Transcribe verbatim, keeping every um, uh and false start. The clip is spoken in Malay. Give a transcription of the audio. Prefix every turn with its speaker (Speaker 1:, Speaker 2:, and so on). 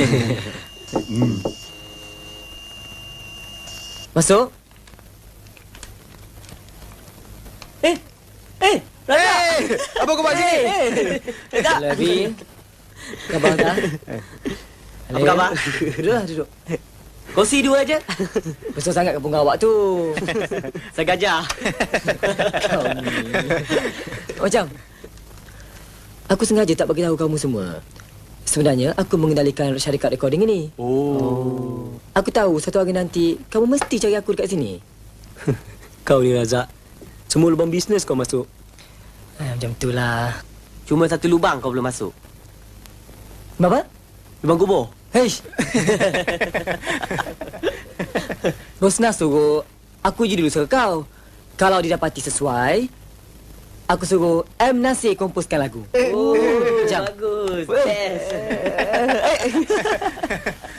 Speaker 1: hmm.
Speaker 2: Masuk. Eh, eh, Razak.
Speaker 1: Hey, apa kau buat sini?
Speaker 2: Eh, tak. Lebih. Khabar tak?
Speaker 3: Apa khabar?
Speaker 2: Duduklah, duduk.
Speaker 3: Kursi dua aja.
Speaker 2: Besar sangat ke bunga awak tu.
Speaker 3: Saya gajah.
Speaker 2: Kau ni. Macam, aku sengaja tak bagi tahu kamu semua. Sebenarnya, aku mengendalikan syarikat recording ini.
Speaker 3: Oh.
Speaker 2: Aku tahu satu hari nanti, kamu mesti cari aku dekat sini.
Speaker 4: Kau ni Razak, semua lubang bisnes kau masuk.
Speaker 2: Eh, macam itulah.
Speaker 3: Cuma satu lubang kau belum masuk.
Speaker 2: Apa?
Speaker 3: Lubang kubur.
Speaker 2: Heish. Rosna suruh aku je dulu suruh kau. Kalau didapati sesuai, aku suruh M. Nasir komposkan lagu.
Speaker 3: Oh,
Speaker 2: Jam.
Speaker 3: bagus. Best.